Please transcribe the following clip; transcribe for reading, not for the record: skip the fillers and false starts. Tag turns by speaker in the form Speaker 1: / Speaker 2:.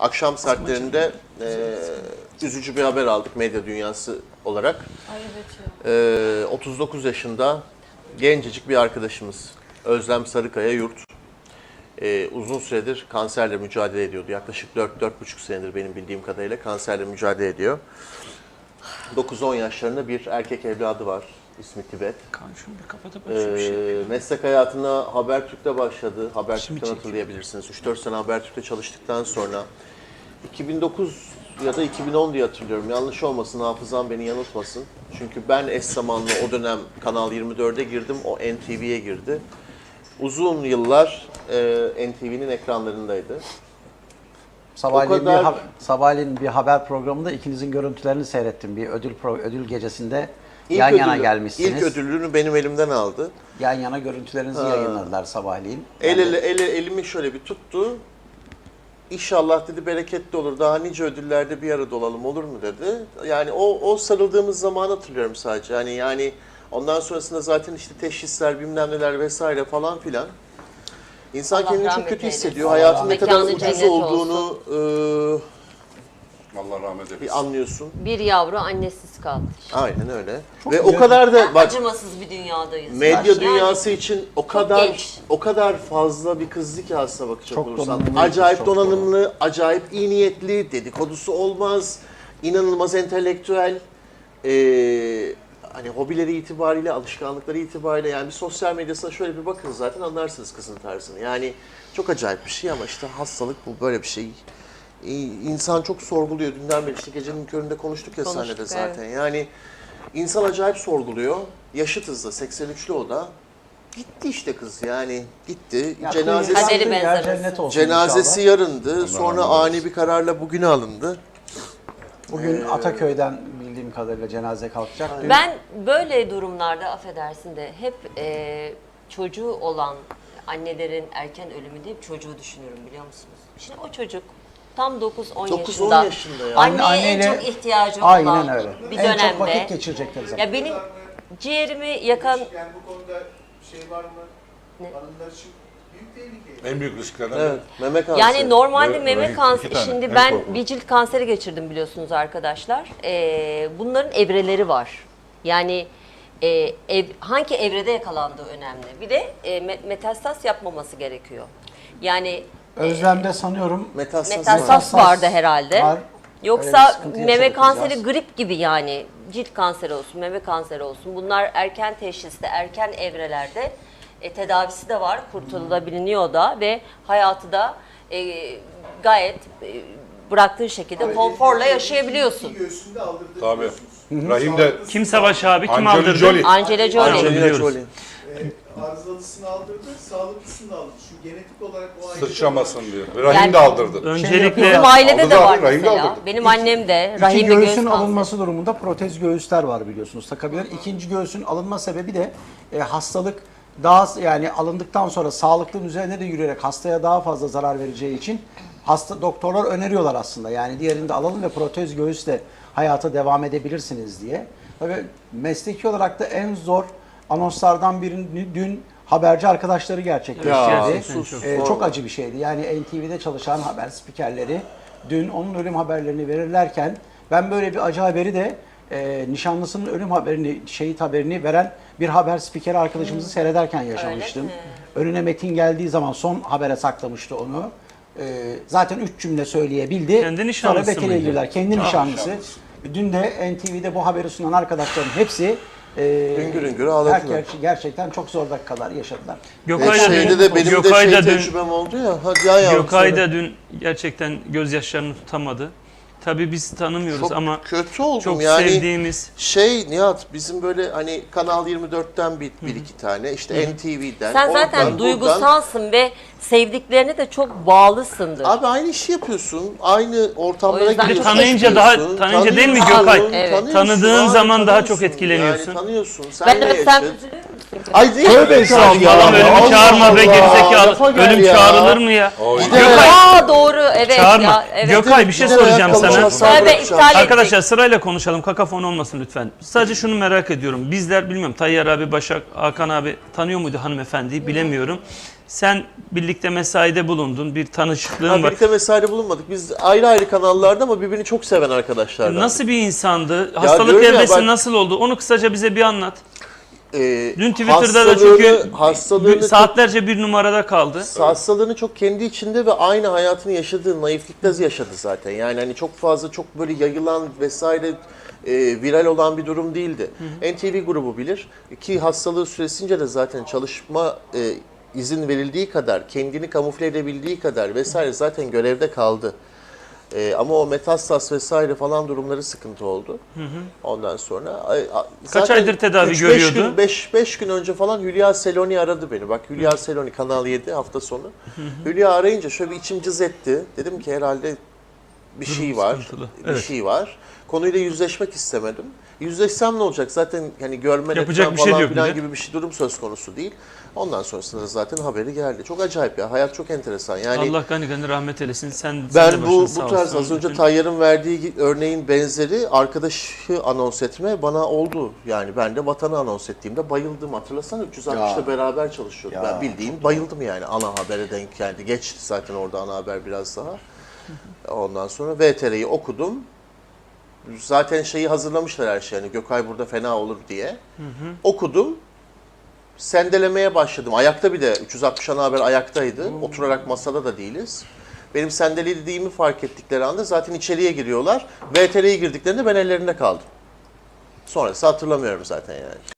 Speaker 1: akşam saatlerinde üzücü bir haber aldık medya dünyası olarak.
Speaker 2: Ay evet ya.
Speaker 1: 39 yaşında gencecik bir arkadaşımız Özlem Sarıkaya Yurt. Uzun süredir kanserle mücadele ediyordu. Yaklaşık 4-4,5 senedir benim bildiğim kadarıyla kanserle mücadele ediyor. 9-10 yaşlarında bir erkek evladı var. İsmi Tibet.
Speaker 3: Şunu bir kapatıp açayım bir şey.
Speaker 1: Meslek hayatına Habertürk'te başladı. Habertürk'ten hatırlayabilirsiniz. 3-4 sene Habertürk'te çalıştıktan sonra 2009 ya da 2010 diye hatırlıyorum. Yanlış olmasın, hafızam beni yanıltmasın. Çünkü ben eş zamanlı o dönem Kanal 24'e girdim, o NTV'ye girdi. Uzun yıllar NTV'nin ekranlarındaydı.
Speaker 4: Sabahleyin bir haber programında ikinizin görüntülerini seyrettim. Bir ödül gecesinde yan yana gelmişsiniz.
Speaker 1: İlk ödülünü benim elimden aldı.
Speaker 4: Yan yana görüntülerinizi yayınladılar sabahleyin.
Speaker 1: Elimi şöyle bir tuttu. İnşallah dedi bereketli olur. Daha nice ödüllerde bir arada olalım olur mu dedi. Yani o sarıldığımız zamanı hatırlıyorum sadece. Yani ondan sonrasında zaten işte teşhisler bilmem neler vesaire falan filan. İnsan
Speaker 2: Allah
Speaker 1: kendini çok
Speaker 2: rahmet
Speaker 1: kötü
Speaker 2: eylesin.
Speaker 1: hissediyor. Hayatın ne kadar
Speaker 2: Mekanı
Speaker 1: ucuz
Speaker 2: cennet
Speaker 1: olduğunu
Speaker 5: Allah rahmet eylesin.
Speaker 1: bir anlıyorsun.
Speaker 2: Bir yavru annesiz kaldı.
Speaker 1: Aynen öyle. Ve o kadar da bak
Speaker 2: Acımasız bir dünyadayız.
Speaker 1: medya
Speaker 2: Yani
Speaker 1: dünyası için
Speaker 2: genç.
Speaker 1: o kadar fazla bir kızlık ki aslına bakacak
Speaker 4: Çok
Speaker 1: olursan.
Speaker 4: donanımlı,
Speaker 1: Acayip
Speaker 4: çok
Speaker 1: donanımlı, acayip iyi niyetli, dedikodusu olmaz, inanılmaz entelektüel, hani hobileri itibariyle, alışkanlıkları itibariyle yani bir sosyal medyasına şöyle bir bakın zaten anlarsınız kızın tarzını. Yani çok acayip bir şey ama işte hastalık bu, böyle bir şey. İnsan çok sorguluyor. Dünden beri işte gecenin köründe konuştuk ya sahnede zaten.
Speaker 2: Evet.
Speaker 1: Yani insan acayip sorguluyor. Yaşıtız da 83'lü o da. Gitti işte kız yani gitti.
Speaker 2: Kaderi benzemez.
Speaker 1: Cenazesi yarındı. Sonra ani bir kararla bugüne alındı.
Speaker 4: Bugün Ataköy'den bildiğim kadarıyla cenaze kalkacak. Dün
Speaker 2: Ben böyle durumlarda affedersin de hep çocuğu olan annelerin erken ölümü deyip çocuğu düşünüyorum biliyor musunuz? Şimdi o çocuk tam 9-10 yaşında.
Speaker 1: yaşında ya.
Speaker 2: Anneye en çok ihtiyacı olan
Speaker 4: aynen öyle.
Speaker 2: bir
Speaker 4: En
Speaker 2: dönemde.
Speaker 4: çok vakit geçirecekleri zaman.
Speaker 2: Ya benim ciğerimi yakan
Speaker 6: Yani bu konuda şey var mı? Hanımlar için büyük tehlike.
Speaker 5: En büyük risklerden
Speaker 1: Evet, meme kanseri.
Speaker 2: yani normalde
Speaker 5: Rahim,
Speaker 2: meme
Speaker 5: iki
Speaker 2: kanseri,
Speaker 5: tane,
Speaker 2: şimdi
Speaker 5: en
Speaker 2: ben
Speaker 5: korkunç.
Speaker 2: bir cilt kanseri geçirdim biliyorsunuz arkadaşlar. Bunların evreleri var. Yani hangi evrede yakalandığı önemli. Bir de metastaz yapmaması gerekiyor. Yani
Speaker 4: Özlem'de sanıyorum
Speaker 2: metastaz vardı herhalde.
Speaker 4: var. Öyle bir
Speaker 2: Yoksa
Speaker 4: sıkıntı
Speaker 2: meme
Speaker 4: yaşadık
Speaker 2: kanseri
Speaker 4: biraz.
Speaker 2: grip gibi yani cilt kanseri olsun, meme kanseri olsun. Bunlar erken teşhiste, erken evrelerde tedavisi de var, kurtulabiliyor da ve hayatı da gayet bıraktığı şekilde konforla yaşayabiliyorsun.
Speaker 6: İki göğsünde aldırdığı
Speaker 5: Tabii.
Speaker 6: biliyorsunuz.
Speaker 5: Rahim'de
Speaker 3: Kim Savaş abi? Kim
Speaker 5: Angelina
Speaker 3: aldırdı?
Speaker 5: Jolie.
Speaker 2: Angelina Jolie.
Speaker 1: Angelina
Speaker 3: Biliyoruz.
Speaker 1: Jolie.
Speaker 6: Arızalısını aldırdı, sağlıklısını da aldırdı. Şu genetik olarak o ayrıca
Speaker 5: sıçramasın diyor. Ve Rahim
Speaker 2: Yani-
Speaker 5: de aldırdı.
Speaker 3: Öncelikle
Speaker 2: Bizim ailede de
Speaker 5: Aldı
Speaker 2: var
Speaker 5: zaten, rahim de
Speaker 2: mesela.
Speaker 5: aldırdı.
Speaker 2: Benim annem de
Speaker 4: İki
Speaker 2: rahimli göğüs
Speaker 4: göğsün
Speaker 2: kanseri.
Speaker 4: alınması durumunda protez göğüsler var biliyorsunuz takabilir. İkinci göğsün alınma sebebi de hastalık daha yani alındıktan sonra sağlıklığın üzerine de yürüyerek hastaya daha fazla zarar vereceği için doktorlar öneriyorlar aslında. Yani diğerini de alalım ve protez göğüsle hayata devam edebilirsiniz diye. Tabii mesleki olarak da en zor anonslardan birini dün haberci arkadaşları gerçekleştirdi. Çok acı bir şeydi. Yani NTV'de çalışan haber spikerleri dün onun ölüm haberlerini verirlerken ben böyle bir acı haberi de nişanlısının ölüm haberini, şehit haberini veren bir haber spikeri arkadaşımızı seyrederken yaşamıştım. Önüne metin geldiği zaman son habere saklamıştı onu. Zaten 3 cümle söyleyebildi.
Speaker 3: Kendi nişanlısı
Speaker 4: Sonra Bekir'e
Speaker 3: mıydı?
Speaker 4: girdiler. Kendi nişanlısı. Dün de NTV'de bu haberi sunan arkadaşların hepsi
Speaker 1: Hüngür hüngür ağladılar.
Speaker 4: gerçekten çok zor dakikalar yaşadılar.
Speaker 1: Şeyde de benim de tecrübem oldu ya. Hadi ya yavrum.
Speaker 3: Gökay da dün gerçekten gözyaşlarını tutamadı. Tabii biz tanımıyoruz
Speaker 1: Çok
Speaker 3: ama
Speaker 1: kötü oldum
Speaker 3: çok
Speaker 1: yani.
Speaker 3: sevdiğimiz.
Speaker 1: Nihat bizim böyle hani Kanal 24'ten bir iki tane işte NTV'den.
Speaker 2: Sen zaten
Speaker 1: oradan, buradan.
Speaker 2: duygusalsın ve sevdiklerine de çok bağlısındır.
Speaker 1: Abi aynı işi yapıyorsun. Aynı ortamlara
Speaker 2: O yüzden
Speaker 1: giriyorsun.
Speaker 3: tanıyınca daha-
Speaker 1: çıkıyorsun,
Speaker 3: tanıyınca değil mi
Speaker 1: tanıyorsun,
Speaker 3: Gökay?
Speaker 2: Evet.
Speaker 1: tanıyorsun
Speaker 3: Tanıdığın
Speaker 1: abi,
Speaker 3: zaman daha çok
Speaker 1: tanıyorsun.
Speaker 3: etkileniyorsun.
Speaker 1: Yani tanıyorsun. Sen
Speaker 2: Ben
Speaker 1: de
Speaker 2: de sen
Speaker 1: yaşadın. Ay değil
Speaker 4: Tövbe
Speaker 1: mi?
Speaker 4: estağfurullah.
Speaker 3: Adam ölümü
Speaker 1: Allah
Speaker 3: çağırma be
Speaker 1: Allah,
Speaker 3: gerizekalı.
Speaker 1: lafa gel
Speaker 3: Ölüm
Speaker 1: ya.
Speaker 3: çağrılır mı ya?
Speaker 2: Aa doğru evet
Speaker 3: Çağırma.
Speaker 2: ya. Evet.
Speaker 3: Gökay bir şey
Speaker 1: Gider
Speaker 3: soracağım
Speaker 1: ayakkabı
Speaker 3: sana.
Speaker 1: çalsam
Speaker 2: Tövbe
Speaker 1: bırakacağım.
Speaker 2: iptal ettik.
Speaker 3: Arkadaşlar sırayla konuşalım. Kakafon olmasın lütfen. Sadece şunu merak ediyorum. Bizler bilmiyorum Tayyar abi, Başak, Hakan abi tanıyor muydu hanımefendiyi bilemiyorum. Sen birlikte mesaide bulundun, bir tanışıklığın
Speaker 1: Ha,
Speaker 3: var.
Speaker 1: birlikte mesaide bulunmadık. Biz ayrı ayrı kanallarda ama birbirini çok seven arkadaşlardan.
Speaker 3: Nasıl bir insandı? Hastalık
Speaker 1: diyorum ya,
Speaker 3: evresi
Speaker 1: ben-
Speaker 3: nasıl oldu? Onu kısaca bize bir anlat. Dün Twitter'da da
Speaker 1: Hastalığını-
Speaker 3: çünkü
Speaker 1: hastalığını
Speaker 3: saatlerce bir numarada kaldı.
Speaker 1: hastalığını çok kendi içinde ve aynı hayatını yaşadığı naiflikte yaşadı zaten. Yani hani çok fazla çok böyle yayılan vesaire viral olan bir durum değildi. NTV grubu bilir ki hastalığı süresince de zaten çalışma izin verildiği kadar, kendini kamufle edebildiği kadar vesaire zaten görevde kaldı. Ama o metastas vesaire falan durumları sıkıntı oldu. Ondan sonra
Speaker 3: Kaç aydır tedavi görüyordu?
Speaker 1: 5 gün önce falan Hülya Seloni aradı beni. Bak Hülya Seloni Kanal 7 hafta sonu. Hülya arayınca şöyle bir içim cız etti. Dedim ki herhalde bir şey var.
Speaker 3: sıkıntılı.
Speaker 1: Bir
Speaker 3: Evet.
Speaker 1: şey var. Konuyla yüzleşmek istemedim. Yüzleşsem ne olacak? Zaten hani görme
Speaker 3: Yapacak
Speaker 1: etmem
Speaker 3: bir şey
Speaker 1: falan
Speaker 3: yok
Speaker 1: filan
Speaker 3: bir de.
Speaker 1: gibi bir şey durum söz konusu değil. Ondan sonrasında da zaten haberi geldi. Çok acayip ya. Hayat çok enteresan. Yani
Speaker 3: Allah gani gani rahmet eylesin. Sen de
Speaker 1: ben
Speaker 3: başın
Speaker 1: bu
Speaker 3: sağ
Speaker 1: tarz
Speaker 3: olsun.
Speaker 1: az önce
Speaker 3: Bütün-
Speaker 1: Tayyar'ın verdiği örneğin benzeri arkadaşı anons etme bana oldu. Yani ben de vatanı anons ettiğimde bayıldım. Hatırlasana 360'ta
Speaker 4: Ya.
Speaker 1: beraber çalışıyorduk.
Speaker 4: Ya,
Speaker 1: Ben bildiğin bayıldım yani ana habere denk geldi. Geçti zaten orada ana haber biraz daha. Ondan sonra VTR'yi okudum. Zaten şeyi hazırlamışlar her şey. Yani Gökay burada fena olur diye. Okudum. Sendelemeye başladım. Ayakta bir de 360 ana haber ayaktaydı. Oturarak masada da değiliz. Benim sendelediğimi fark ettikleri anda zaten içeriye giriyorlar. VTR'ye girdiklerinde ben ellerinde kaldım. Sonrası hatırlamıyorum zaten yani.